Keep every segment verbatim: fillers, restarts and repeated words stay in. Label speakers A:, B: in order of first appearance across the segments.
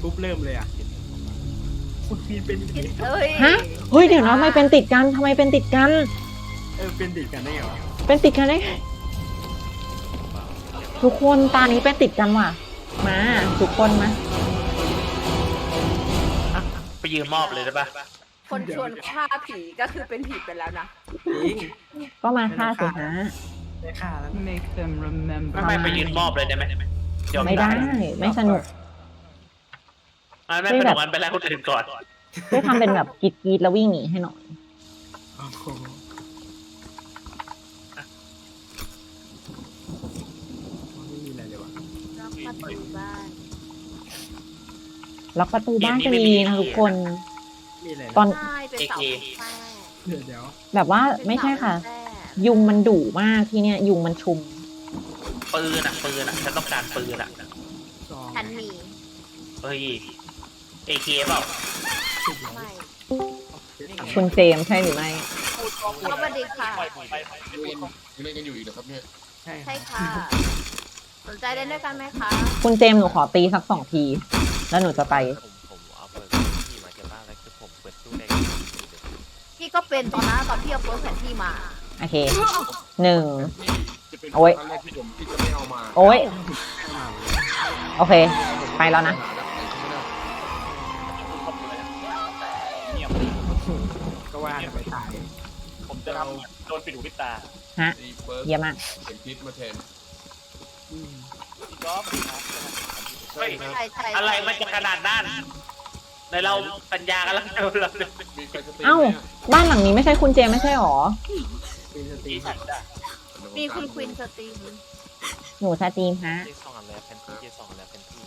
A: ปุ๊บเริ่มเลยอ่ะคุณปีนเป็น
B: เอ้ย
C: ฮะเฮ้ยเดี๋ยวนะทำไมเป็นติดกันทำไมเป็นติดกัน
A: เออเป็นติดกันได้ไงวะ
C: เป็นติดกันได้ไงทุกคนตานี้เป็นติดกันว่ะมาทุกคนมา
D: ไปยืนมอบเลยได้ปะ
B: คนชวนฆ่าผีก็คือเป็นผีไปแล้วนะ
A: จริง
C: ก็มาฆ่าสิฮะ
A: ได้ค่าแล้ว
E: Make them remember.
D: ไม่ไม่ไปยืนมอบเลยได้ไหมยอ
C: ไม่ได้ไม่สนุก
D: ไม่ไม่เป็นอย่างนั้นไปแล้วคนอื่นก่อน
C: ช่วยทำเป็นแบบกรีดกรีดแล้ววิ่งหนีให้หน่อย
A: โอ้โหไม่มีอะไรเลยวะ
B: ล็อกประตูบ้าน
C: ล็อกประตูบ้านก็ดีนะทุกคน
A: มีอะไร
C: ตอน
B: ใช่เป็นเสาแฝด
A: เดี๋ยวเดี๋ยว
C: แบบว่าไม่ใช่ค่ะ ยุงมันดุมากที่เนี่ยยุงมันชุม
D: ปืนอ่ะปืนอ่ะฉันต้องการปืนอ่ะ
A: สอง
B: ฉันมี
D: เฮ้ยเอเคเปล่า
A: สิบร้อย
B: ไม่
C: คุณเจมส์ใช่หรือไม่
B: สวัสดีค่ะ
F: ยังเล่นกันอยู่อีกเหรอครับเนี่ย
A: ใช่
B: ใช่ค่ะ สนใจเล่นด้วยกันไหมคะ
C: คุณเจมส์หนูขอตีสักสองที แล้วหนูจะไป
G: ผมผมเอาเปิดที่มาเก็บบ้านแล้วคือผมเปิดตู้แดง
B: พี่ก็เป็นตอนนั้นตอนพี่เอาโพสแผนที่มา
C: โอเคหนึ่ง
F: นี่จะเป็น
C: โอ้ย
F: ครั้งแรกที่ผมที่จะไม่เอามา
C: โอ้ย
A: ไม่มาเลย
C: โอเค ไปแล้วนะ
A: ก็ว่าจะไปตาย
D: ผมจะทำโดนปิดหูปิดตา
C: ฮะ
F: ตีเฟิร์ส
C: เยี่ยมมาก
F: เข็มทิศมาแทน
A: อืม
D: เฮ้ย
B: ใช่ใช่
D: อะไรมันจะขนาดนั้นในเราสัญญากันแล้วเราเรา
F: มีใครจะตี
C: เอ้า
F: ไหมอะ
C: บ้านหลังนี้ไม่ใช่คุณเจมส์ไม่ใช่หรอ
A: เป็นสตรี
D: ที่ฉันได้
B: มีคุณควินสตรีม
C: หนูสตรีมฮะ
G: เจสองอันแล้วแพนที่เจสองอันแล้วแพนที่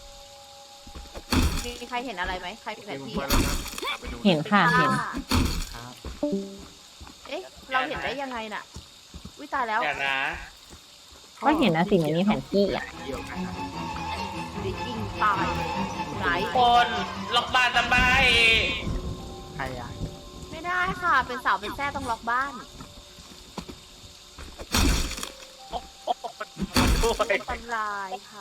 B: มีใครเห็นอะไรไหมใครเป็นแผ
F: เดี๋ยวน ผม
B: ที่
F: ไป
B: อะ
F: แล้วนะไปดู
C: เห็นค่ะเห็น
A: ครับ
B: เอ๊ะ เราเห็นได้ยังไงน่ะวิตายแล้ว
D: อย่านะ
C: ก็เห็นนะสิมันมีแผนที่อ่ะ
A: เกี่ยวกันนะ
B: ดิยิงตายไหน
D: คนล็อกบ้านทำไม
A: ใครอ่ะ
B: ไม่ได้ค่ะ เป็นสาวเป็นแท้ต้องล็อกบ้าน
D: ด้วย
B: อันตรายค่ะ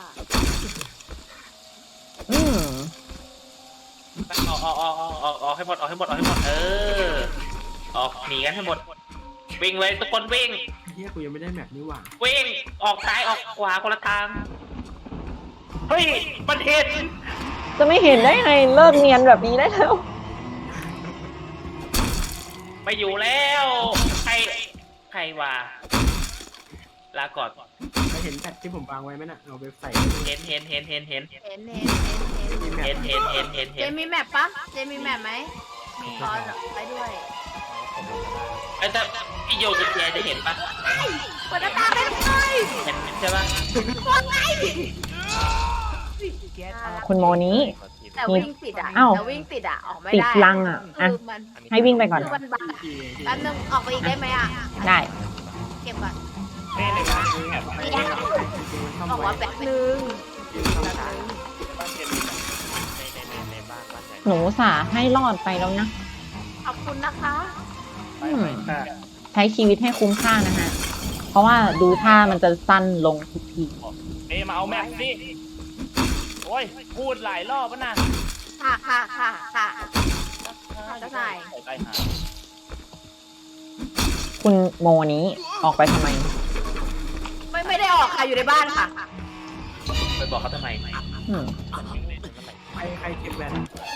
C: อืม
D: ออกออกออกออกออกออกให้หมดออกให้หมดออกให้หมดเออออกหนีกันให้หมดวิ่งเลยทุกคนวิ่ง
A: เฮียกูยังไม่ได้แมปนี่หว่า
D: วิ่งออกซ้ายออกขวาคนละทางเฮ้ยมันเห็น
C: จะไม่เห็นได้ไงเลิกเนียนแบบนี้ได้แล้ว
D: ไม่อยู่แล้วใครใครวะลาก่อน
A: ใครเห็นแพทที่ผมวางไว้ไหมน่ะเอาไปใส่
D: เห็นเห็นเห็นเห็นเห็น
B: เห็นเห็นเห็นเห็น
D: เห็นเห็นเห็นเห็น
B: เจ
D: เห็น
B: มีแมปปะเจมีแมปไหม มีตอนไปด้วย
D: ไอ้แต่พี่โยกับแกจะเห็นปะ
B: เปิดหน้าต่างได้เลย
D: เห็นใช่ปะ
B: ว่าไง
C: คุณโมนี้
B: แต่วิ่งติดอ่ะ
C: อ้าว
B: แต่วิ่งติดอ่ะ ออกไม่
C: ติด
B: ได้
C: ลังอ่ะอ่ะ
B: คือมัน
C: ให้วิ่งไปก่อน
B: คือมันบังแป๊บนึงออกไปอีกได้ไหมอ่ะ
C: ได้
B: เก็บก่อน
D: ไม่เลยนะ
B: บอกว่าแป๊บนึง
G: ในในในในบ้านบ้านใหญ่
C: หนูสาให้รอดไปแล้วนะ
B: ขอบคุณนะคะ
C: อืมใช้ชีวิตให้คุ้มค่านะฮะ เพราะว่าดูท่ามันจะสั้นลงทุกที
D: เอ้มาเอาแม็กสิโอ้ยพูดหลายรอบแล้วนะ
B: ค่ะค่ะค่ะค่ะจะใส่
D: ไปหา
C: คุณโมนี้ออกไปทำไม
B: ไม่ไม่ได้ออกค่ะอยู่ในบ้านค่ะ
D: ไปบอกเขาทำไม
C: อืม
A: ใครใครเก็บแบต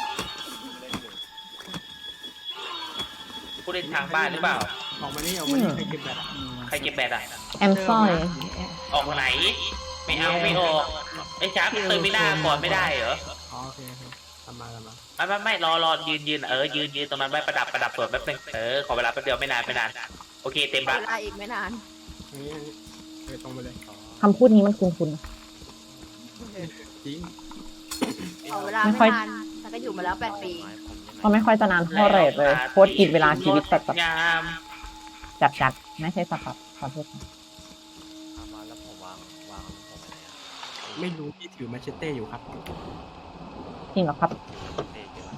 D: ผู้เล่นทางบ้านหรือเปล่า
A: ออกมานี่ออกมานี่ใครเก็บแบตอ่ะ
D: ใครเก็บแบตอ่ะ
C: แอมซอย
D: ออกไหน ไม่เอาไม่ออกไอ้ช้าเติมไม่ได้ก่อนไม่ได้เหรอ
A: อ๋อโอเคโอเคทำมาทำมา
D: ไม่ไม่ไม่รอรอยืนยืนเออยืนยืนตรงนั้นไว้ประดับประดับสวดแป๊บนึงเออขอเวลาแป๊บเดียวไม่นานไม่นานโอเคเต็ม
B: เว
D: ละ
B: ลาอีกไม่นาน
A: อย่างนี้เออตรงไปเลย
C: คำพูดนี้มันคุ้น
A: จริง
B: ขอเวลา
C: ไม่
B: ไม่
C: ค่อย
B: นานแต่ก็อยู่มาแล้วแปดปี
C: ๆเพราะไม่ค่อยจะนานเท่าไหร่เลยโคตรกินเวลาชีวิตจัด
D: งาม
C: จัดจัดๆไม่ใช่สับสับขอโทษค่ะ
G: เอามาแล้วผมวางวางผมไปไหนอ่ะ
A: ไม่รู้พี่ถือมาเชเต้อยู่ครับ
C: จริงเหรอครับ
G: เด็กเดี๋ยว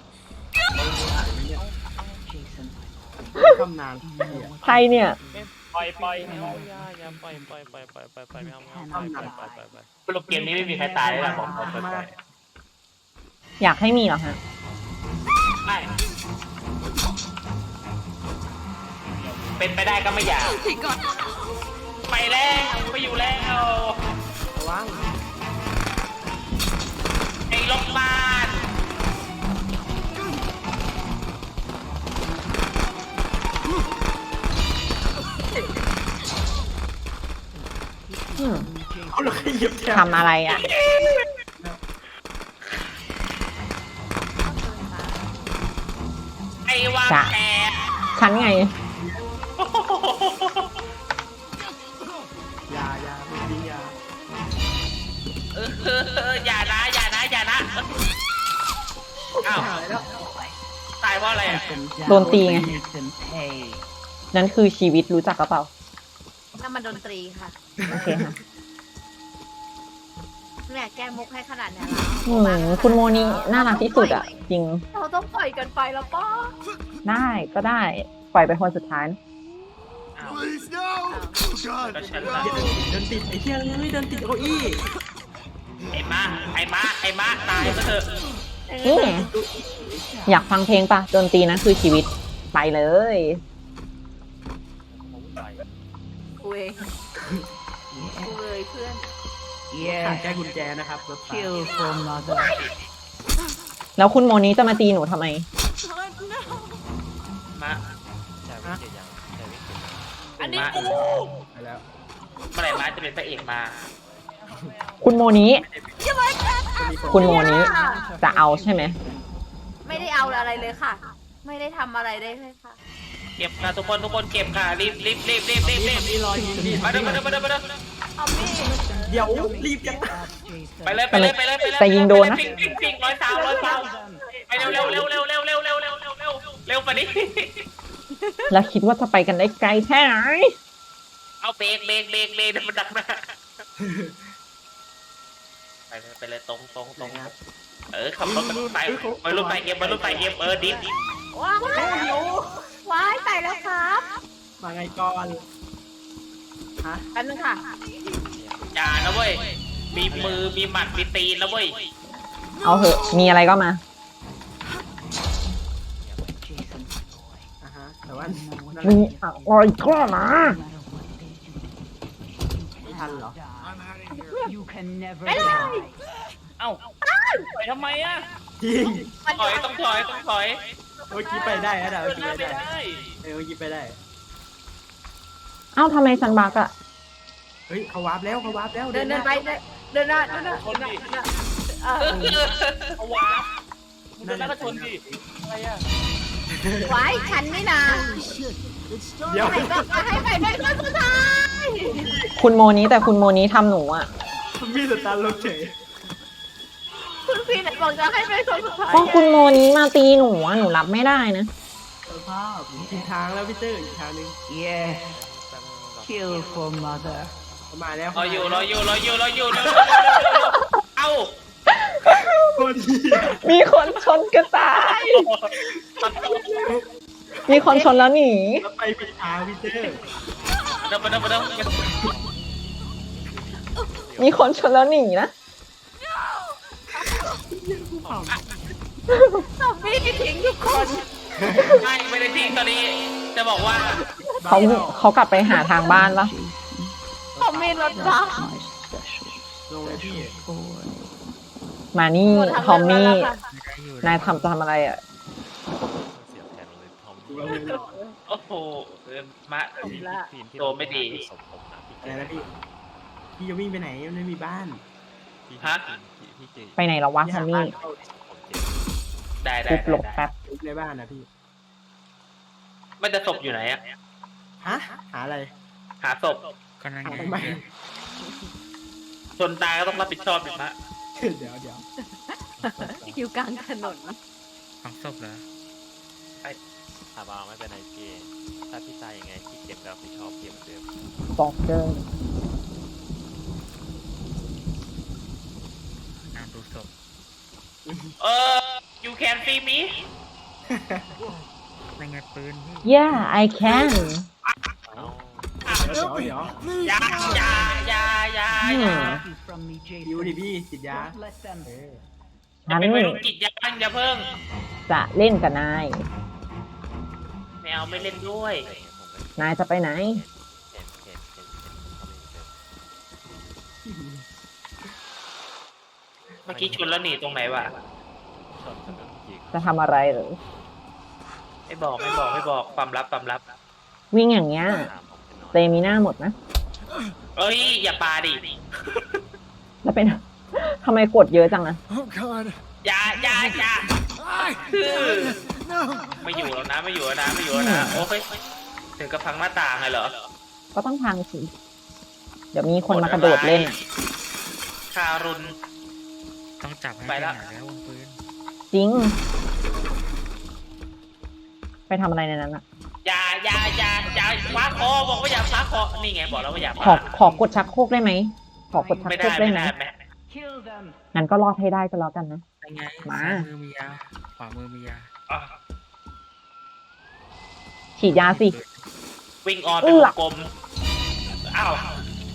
A: ทำนานพี่อ่ะ
C: ใครเนี่ย
D: ปล่อยปล่อย
G: อย่าอย่าปล่อยปล่อยปล่อยปล่อยปล่อยปล่อยไม่เอาไม่เอาปล่อยปล่อยปล่อยปล่อยปล่อย
D: สรุปเกมนี้ไม่มีใครตายเลยนะผมผมปล่อยปล่อย
C: อยากให้มีเหรอฮะ
D: ไม่เป็นไปได้ก็ไม่อยากไปแล้วไปอยู่แล้ว
A: ระวัง
D: ไอ้โรงพยาบาล
C: อืม
A: เอาเราขยับแถว
C: ทำอะไรอ่ะ
D: ไอ้วางแผน
C: ฉันไง
A: ยายาไม่ดียา
D: เอออย่านะอย่านะอย่านะอ้าว
A: หายแล้ว
D: ตายเพราะอะไรอ่ะ
C: โดนตีไง นั่นคือชีวิตรู้จักกระเปล่า
B: นั่นมันดนตรีค่ะ
C: โอเคค่ะ
B: เนี่ยแก้มุกให้ขนาดเนี้ย
C: อืมคุณโมนี่น่ารักที่สุดอ่ะ จริง
B: เราต้องปล่อยกันไปแล้วป้า
C: ได้ก็ได้ ปล่อยไปคนสุดท้าย
D: อ้าว
E: Please, no! Oh, God.
D: ก็ฉันละ
A: เดินติดไอ้เชี่ยเลยเดินติดเก้าอี้
D: ไอ้มาไอ้มาไอ้มาตายซะเถอะ
C: นี่ไงอยากฟังเพลงปะดนตรีนะคือชีวิต ไปเลย
B: กูเองกูเลยเพื่อน
A: ขาดแก้กุญแจนะครับรถไฟ
C: แล้วคุณโมนี้จะมาตีหนูทำไม
D: มา
G: ใช่วิ่งเกียร์ยังใช่วิ่งเกียร์ยัง
D: อันนี้กู
A: ไปแล้ว
D: เมื่อไหร่มาจะเป็นพระเอกมา
C: คุณโมนี้
A: จะมีคน
C: คุณโมนี้จะเอาใช่ไหม
B: ไม่ได้เอาอะไรเลยค่ะ ไม่ได้ทำอะไรได้เลยค่ะ
D: เก็บค่ะทุกคนทุกคนเก็บค่ะรีบรีบรีบรีบรีบรีบ
A: มีรอยยิงดิ
D: มาเด้อมาเด้อมาเด้อมาเด้อ
B: เอามีด
A: เดี๋ยวรีบยัง
D: ไปเลยไปเลยไปเลยไปเลย
C: แต่ยิงโดนนะ
D: ปิงปิงปิงร้อยสาวร้อยสาวไปเร็วเร็วเร็วเร็วเร็วเร็วเร็วเร็วเร็วเร็วเร็วไปดิ
C: แล้วคิดว่าจะไปกันได้ไกลแค่ไหน
D: เอาเบรกเบรกเบรกเบรกมันดักหน้าไปเลยไปเลยตรงตรงตรงเออขับรถไปไปรถไปเอ็มไปรถไปเอ็มเออดิฟดิฟ
B: ว้าวว้ายตายแล้วครับ
A: มาไงก่อนฮะ
B: แป๊บนึงค่ะ
D: อย่านะเว้ยมีมือมีหมัดมีตีนนะเว้ย
C: เอาเหอะ มีอะไรก็มา
A: อ่ะฮะแต่ว่า
C: มีอะไรก็มา
A: ไม่ทันเหรอ
B: ไม่ได้
D: เอ้าไปทำไมอ่ะ
A: จริง
D: ถอยต้องถอยต้องถอย
A: เมื่อกี้ไปได้นะเมื่อกี้
D: ไม่
A: ไปได้
D: ได้
A: เออเมื่อกี้ไปได้
C: เอ้าทำไมฉันบักอะ
A: เฮ้ยเขาวาร์ปแล้วเขาวาร์ปแล้ว
B: เดินเดินไปเดินเดินหน้าเดินหน้าเดินหน้าเดินหน้าเออ
D: เอาวาร์ปเดินแล้วก็ชนดิอะไรอ่ะ
B: ไว้ฉันนี่นะ
A: เดี๋ยว
B: ไหนบอกจะให้ไปเป็นคนสุดท้าย
C: คุณโมนี้แต่คุณโมนี้ทำหนูอะ
A: มีสตาร์ทรถเฉย
B: คุณพี่ไหนบอกจะให้เป็นคนสุดท้าย
C: ก็คุณโมนี้มาตีหนูอะหนูรับไม่ได้นะ
A: สภาพอีกทางแล้วพี่เตอร์อีกทางนึง
H: Kill for mother.
A: เขามาแล้ว
D: รออยู่รออยู่รออยู่รออยู่เอ้า
A: โคตรดี
C: มีคนชนกระต่าย มีคนชนแล้วหนี
A: แล้วไปผิดทางพี่เตอร์
D: เดินไปเดินไปเดิน
C: มีคนชนแล้วหนีนะ
B: ซอมบี้ที่ทิ้งทุกคน
D: ไม่ไม่ได้ทิ้งตอนนี้จะบอกว่า
C: เขาเขากลับไปหาทางบ้านปะ
B: ซอมบี้รถบัส
A: ลงเลยพี่
C: มานี่
B: หมดทาง
C: ทอมมี่
B: เดินแล้วค่ะ
C: นายทำจะทำอะไรอ่ะ
G: เสียแทนเลยทอม
A: ดูเราเลยหรอ
D: โอ้โหเออมา
G: ทีมทีมที่
D: ตัวไม่ดี
G: สมผมนะพี่
A: อะไรนะพี่พี่จะวิ่งไปไหนมันไม่มีบ้าน
G: พี่
D: ฮะ
G: พี่พี่เจ
C: ไปไหนแล้ววะทอมมี่
G: ผมเจ
D: ได้ได้
C: ปุ๊บหลบ
D: ได้
C: แป๊บ
A: ในบ้านนะพี่
D: มันจะศพอยู่ไหนอะ
A: ฮะหาอะไร
D: หาศพ
A: หาทำไม
D: ชนตายก็ต้องรับผิดชอบดิมะ
A: เดี๋ยวเดี๋ยว
B: อยู่กลางถนน
G: ถามว่าไม่เป็นไรพี่ถ้าพี่ตายยังไงพี่เก็บแล้วพี่ชอบเก็บเหมือนเดิม
C: บอกเจอ
D: เออ you can see me
C: yeah I can
G: เอ้า
D: I
A: เดี๋ยว
E: Please,
D: ยายายายา
C: อืม
D: ยา
H: You from me,
A: ดิวดิ
H: Jason.
A: พี่ติดยา
H: Don't let them.
D: จะเป็นวัยรุ่นกิจยางอย่าเพิ่ง
C: จะเล่นกับนาย
D: ไม่เอาไม่เล่นด้วย
C: นายจะไปไหน
G: เห็นเห็นเห็นเห็นเห็นเขาไม่เจอ
D: เมื่อกี้ชนแล้วหนีตรงไหนวะ
G: ชนกันยิง
C: จะทำอะไรหรือ
D: ไม่บอกไม่บอกไม่บอกความลับความลับ
C: วิ่งอย่างเงี้ย
G: ตามผมไปนอน
C: เตมีหน้าหมดนะ
D: เอ้ยอย่าปาดิ
C: แล้วเป็น ทำไมกดเยอะจังอะ
E: Oh God.
D: อย่าอย่าอย่า
E: I. No.
D: ไม่อยู่แล้วนะไม่อยู่แล้วนะไม่อยู่แล้วนะโอ้ยถึงกับพังหน้าต่างเลยเหรอ
C: ก็ต้องพังสิ เดี๋ยวมีคนมากระโดดเล่นอะ
D: คารุน
I: ต้องจับให้
D: ไปละ
I: หาแล้ววงปืน
C: จริง ไปทำอะไรในนั้นอะ
D: อย่าอย่าอย่าอย่าคว้าคอบอกว่าอย่าคว้าคอนี่ไงบอกแล้วว่าอย่า
C: ขอขอกดชักโครกได้ไหม ขอกดชัก
D: ไม่
C: โคร
D: ได้
C: กได้
D: ไม่
C: ไหม
D: ได้ไม่
H: Kill them.
C: งั้นก็รอดให้ได้ก็แล้วกันนะ
I: ยังไง
C: มา
I: ซ้ายมือมียา ขวามือมียา
D: อ่ะ
C: ฉีดยาสิ
D: วิ่งออนเป็นวงกลมอ้าวน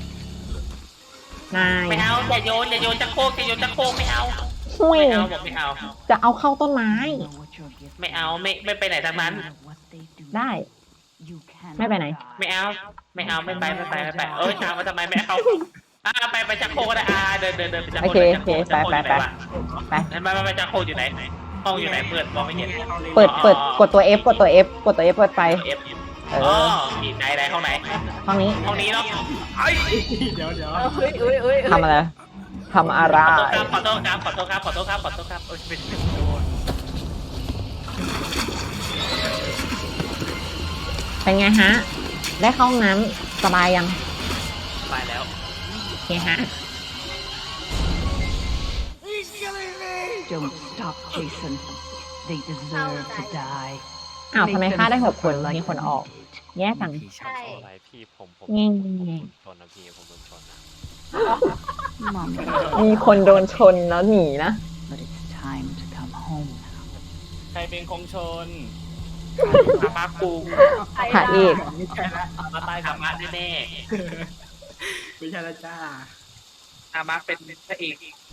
C: าย
D: ไม่เอาอย่าโยนอย่าโยนจักรโคกอย่าโยนจักรโคกไม่เอา
C: หุย
D: ไม่เอาบอกไม่เอา
C: จะเอาเข้าต้นไม้
H: Know what you're getting.
D: ไม่เอาไม่ไม่ไปไหนทั้งนั้น
H: No matter what they do,
C: ได้
H: you cannot
C: ไม่ไปไหน
H: die.
D: ไม่เอา ไม่เอาไม่ไปไม่ไปไม่ไปเอ้ยถามว่าทำไมไม่เอาอ่าไปไปจักรโคกก็ได้อ่าเดินเดินเดินไปจักร
C: โอ
D: โคก
C: เค
D: จักรโคก
C: โอเค
D: จักรโคก
C: ไป
D: อยู่ไหน
C: ไป
D: วะ
C: ไป
D: นั่นมาไปจักรโคกอยู่ไหนห้องอยู่ไหนเปิดมองไม่เห็น
C: เปิด เปิด กดตัว F กดตัว F กดตัว F เปิดไฟ
D: เอฟ
C: เอ
D: อ๋อ
C: อ
D: ที่ไหนไหนห้องไหน
C: ห้องนี้
D: ห้องนี้เนาะไอ้
A: เดี๋ยวเดี๋ยว
B: เอ้ยเอ้ยเอ้ย
C: ทำอะไรทำอะไร
D: ขอโทษครับขอโทษครับขอโทษครับขอโทษครับขอโทษครับโอ้ยเป็นโดน
C: เป็นไงฮะ ได้เข้าห้องน้ำสบายยัง
D: ไปแล้ว
C: โอเคฮะ
E: He's killing me.
H: Don't stop, Jason. They deserve to die.
C: อ้าวทำไม
H: Make
C: ฆ่า
H: them
C: ได้หกคน
H: suffer
C: มี
H: like
C: คน
H: we
C: ออก
H: did.
C: แย่จัง
I: ผีชอบ
B: ใช่
G: อะไรพี่ผมผม
C: แง่
G: ผม
C: แง่
G: ชนนะพี่ผมโดนชนนะ
H: Mom,
C: มีคนโดนชนแล้วหนีนะ
H: but it's time to come home now.
G: ใครเป็นคงชน
D: อามากู
C: พระเอก
A: ไม่ใช่ละ
D: มาตายอามาแน่
A: ไม่ใช่ละจ้า
D: ๆอามาเป็นพระเอก